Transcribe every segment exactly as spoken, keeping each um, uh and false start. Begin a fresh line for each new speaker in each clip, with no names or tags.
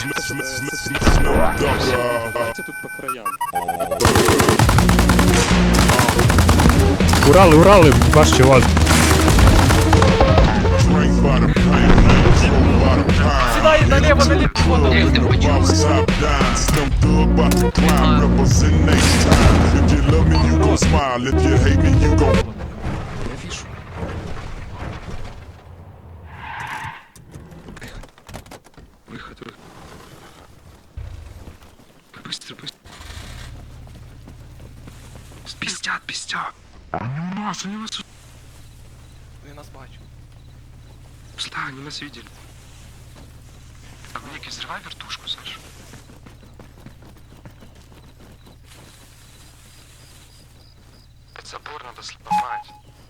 Давайте тут по краям.
Урали, Урали, ваш чувак.
Сідай наліво, наліво.
Як ти почув?
Я вижу. Выход, выход. Быстро, быстро. Пиздят, пиздят. Нас, они нас...
Я нас бачу.
Да, они нас видели. Так, Ник, взрывай вертушку, Саша. Забор надо сломать.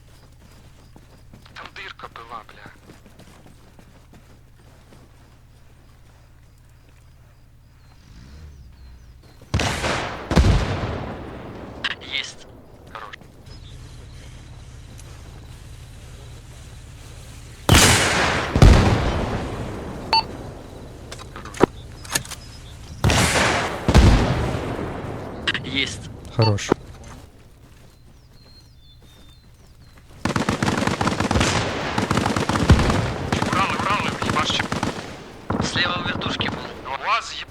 Там дырка была, бля.
Есть.
Хорош.
Есть.
Хорош.
Уралы, Уралы, ебашь.
Слева в вертушке был.
УАЗ, еб...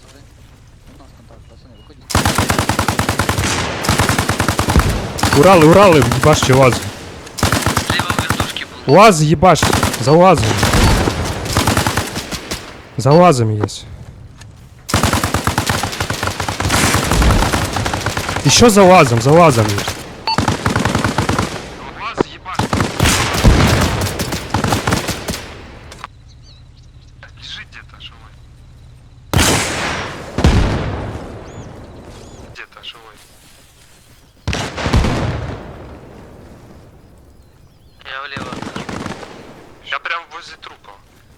Урали, Урали, ебаш чувак.
Слева в вертушке был.
УАЗ ебаш, за УАЗом. За УАЗом есть. Еще за УАЗом, за УАЗом есть.
УАЗ, ебашь. Лежит где-то, живой. Где-то, живой.
Я влево.
Я прям возле трупа.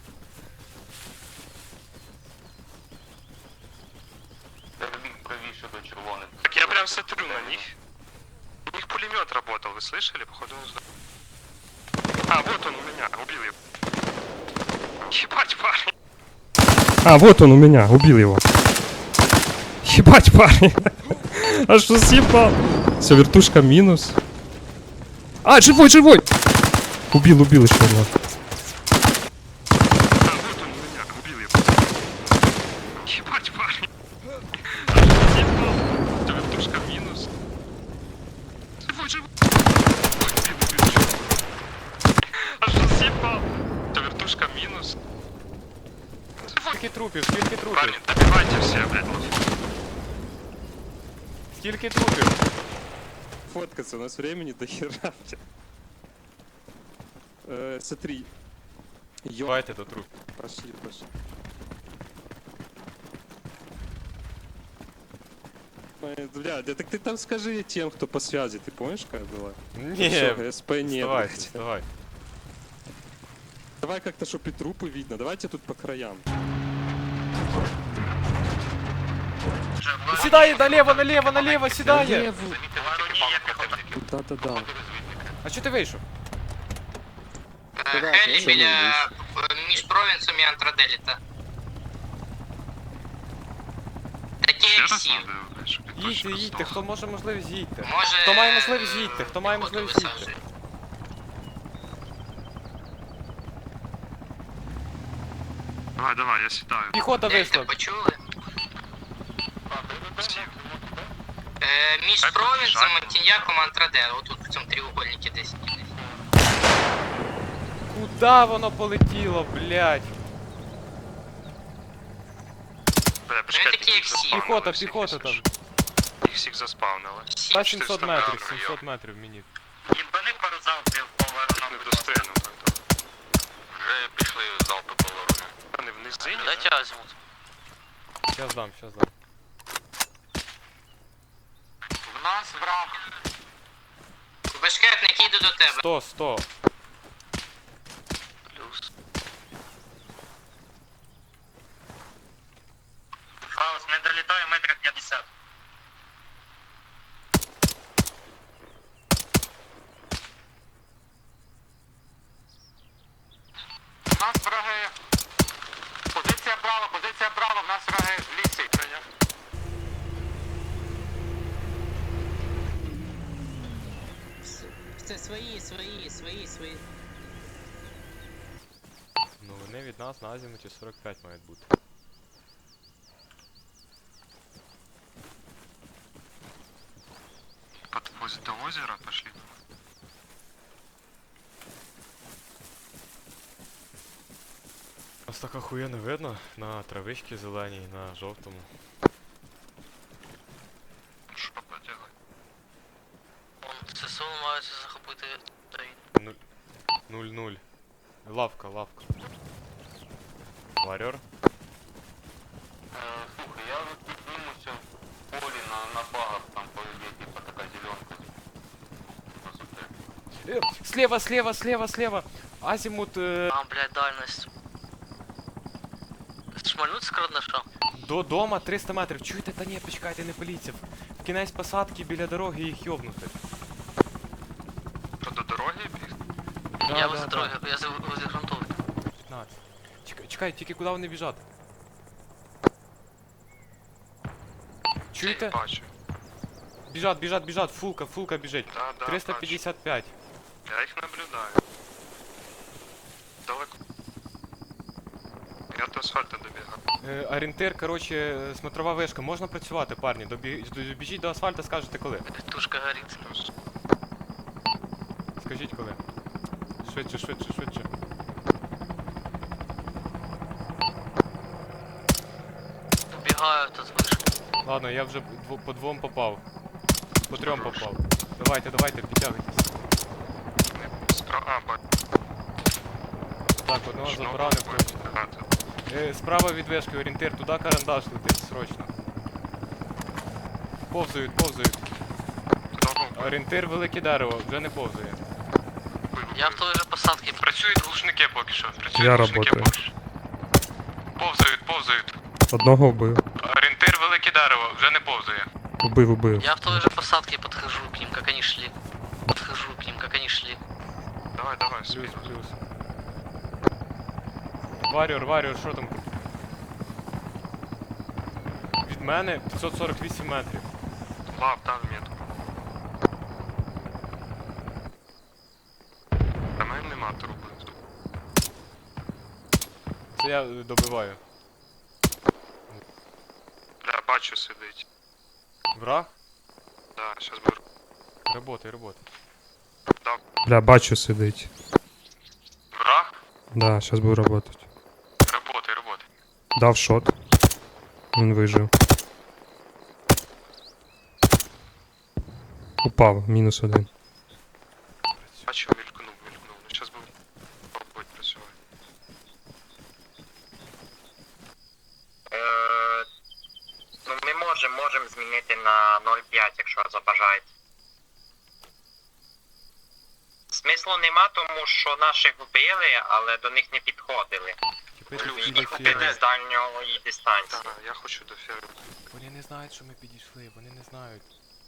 Так я прям смотрю на них. У них пулемет работал, вы слышали? Походу он сдал. А, вот он у меня, убил его. Ебать, парень.
А, вот он у меня, убил его. Ебать, парень. А что съебал? Все, вертушка минус. А, живой, живой! Убил, убил еще одного.
А, вот он у меня, убил его. Ебать, парень. А что съебал? Это вертушка минус. Живой, живой. Ой, убил, убил, живой. А что съебал? Это вертушка минус.
Скільки трупів, скільки трупів?
Парни, добивайте все, блядь, лафу.
Скільки трупів?
Фоткаться, у нас времени до хера. Э, смотри. Ё...
Давайте до труп.
Пошли, пошли. Ой, бля, да так ты там скажи тем, кто по связи, ты помнишь, как было?
Ні,
Всё, СП нет.
вставайте,
блядь.
вставай.
Давай как-то, чтоб и трупы видно. Давайте тут по краям.
Сідає наліво, наліво, наліво, сідає!
Да-да-да.
А чого ти вийшов?
Хелі біля е, між провінсом і Антраделіта. Такі ексів.
Їдьте, їдьте, хто може можливість їдьте.
Може...
Хто має можливість їдьте, хто має
піхоту
можливість їдьте.
висаджує.
Давай, давай, я сідаю.
Піхота
Як
вийшла.
ти почули? Е, між
Так,
провінсом,
жаль.
Монтіньяком, Антрадело. Отут в цьому треугольнику десь.
Куда воно полетіло, блядь?
Бля,
Ну, такі ексі.
Піхота, піхота там.
Їх всіх заспавнили.
Та сімсот метрів, сімсот метрів мені.
Їбани пару залпів по
Не достигну тогда.
Вже пішли залпи по ворогу.
Вони в низині?
Дайте азимут.
Щас дам, щас дам.
В нас враг. Бешкетник, їду до тебе.
Сто, сто.
Плюс.
Хаос, ми долітаємо метрів п'ятдесят. У нас враги. Позиція Браво, позиція Браво, свої, свої, свої.
Ну вони від нас на азімуті сорок п'ять мають бути.
Подвозить до озера, пошли.
Ось так охуєнно видно на травичці зеленій, на жовтому.
Ну що поделать?
ССО намагаються захопити той.
Нуль. Нуль-нуль. Лавка, лавка. Варьор.
Слухай, я вот піднімуся в полі на, на багах, там поведе, типа така зеленка.
Э, слева, слева, слева, слева. Азимут э,
А, блядь, дальність. Шмальнуть з карандаша?
до дома триста метрів. Чуєте? Та ні, почекайте, не поліція. В кінець посадки біля дороги їх йобнути.
Що до дороги біг?
Да,
Я
да,
возле
да.
дороги, я за- возле грунтовки.
п'ятнадцять. Чекай, чекай, тільки куди вони біжать? Чуєте?
Бачу.
Біжать, біжать, біжать. Фулка, фулка біжить.
Да, да,
триста п'ятдесят п'ять.
бачу. Я їх наблюдаю. Далеко. Я до асфальту добігав.
Е, орієнтир, коротше, смотрова вишка. Можна працювати, парні. Добі... Добіжіть до асфальту, скажете коли.
Тушка горить.
Плюс.
Скажіть коли. Швидше, швидше, швидше.
Убігаю тут вишки.
Ладно, я вже дво- по двом попав. По трьом попав. Давайте, давайте, підтягуйтесь.
Не, спра... А, бачу.
Так, одного
Знову
заборонив.
виходить. А, тут.
Е, справа від вишки, орієнтир, туди карандаш летить, срочно. Повзають, повзають.
Знову
Орієнтир велике дерево, вже не повзає.
Я в той же посадці.
Працюють глушники поки що. Працюють
Я
глушники
работаю.
поки що. Повзають, повзають.
Одного вбив.
Орієнтир велике дерево, вже не повзає.
Убив, убив.
Я в той же посадке подхожу к ним, как они шли. Подхожу к ним, как они шли.
Давай, давай,
Плюс,
спину.
плюс. Варіор, варіор, що там? Від мене п'ятсот сорок вісім метрів.
Лав, дав метку. Та мене нема труби.
Це я е, добиваю.
Бля, бачу сидить.
Враг?
Да, щас беру.
Работай, работай.
Дав.
Бля, бачу сидить.
Враг?
Да, сейчас буду работать.
Работай, работай.
Дав шот. Він вижив. Упав, мінус один.
Бачу, мількнув, мількнув. Ну щас буду пробувати працювати.
Е, ну, ми можемо можем змінити на нуль п'ять, якщо забажаєте. Смислу нема, тому що наших вбили, але до них не підходили.
Типи
Плюс,
тут
Їх
біля
вбили
фірми.
з дальньої дистанції.
Так, я хочу до ферми.
Вони не знають, що ми підійшли, вони не знають.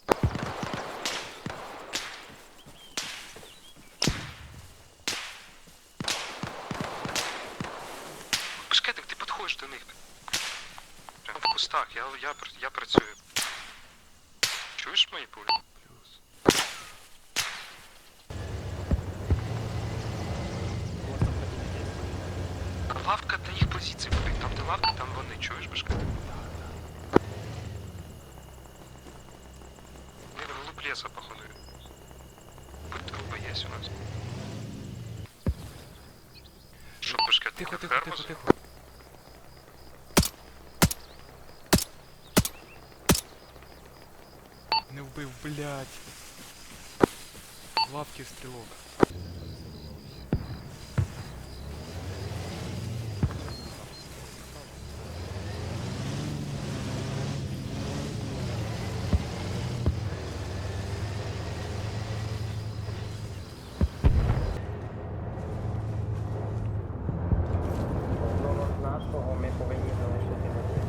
Башкетик, ти підходиш до них. Прям в кустах, я, я, пр- я працюю. Чуєш мої пулі?
Плюс.
Лавка до їх позиції буде. Там де лавка, там вони. Чуєш, башкетик? Вони в глубь леса, походу. Будь труба є у нас. Що, башкетик,
Тихо,
я
тихо,
ферму
тихо,
за-
тихо. Не вбив, блядь. Лапки стрілок.
Нашого ми повинні залишити на це.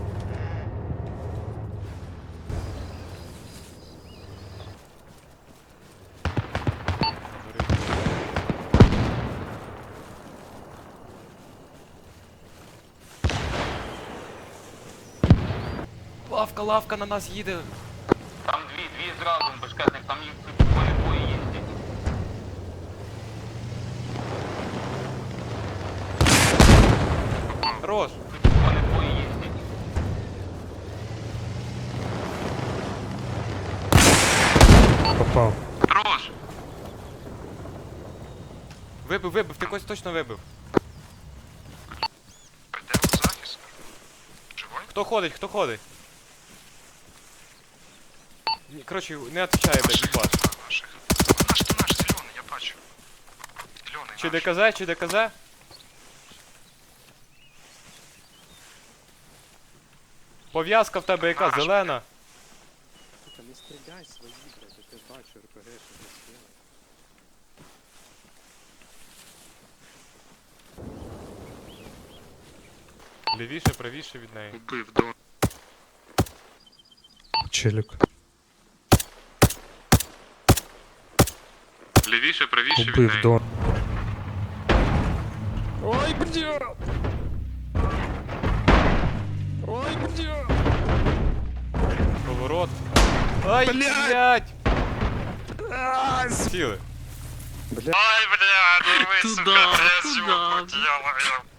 Лавка, лавка на нас їде.
Там дві, дві зразу, бешкетник, там їх по полі двоє їздять.
Хорош.
Вони двоє їздять.
Попав.
Хорош!
Вибив, вибив, ти когось точно вибив.
Де у захист? Живой?
Хто ходить, хто ходить? Ні, коротше, не отвечає, блядь,
Наших,
їбаш.
наших. Наш, то наш, зелений, я бачу. Зелений
Чи
наш.
ДКЗ, чи ДКЗ? Пов'язка в тебе яка,
Наш,
зелена?
Сука, не стріляй свої, блядь, я тебе бачу, РПГ, що не стріляй.
Лівіше, правіше від неї.
Убив, до.
Челік.
Лівіше, правіше від
Убив
неї.
Дон. Ой, бля! Ой, бля!
Поворот. Ай, блядь! Сіли.
Ай, бля, ну ви, сука, я з'їв, я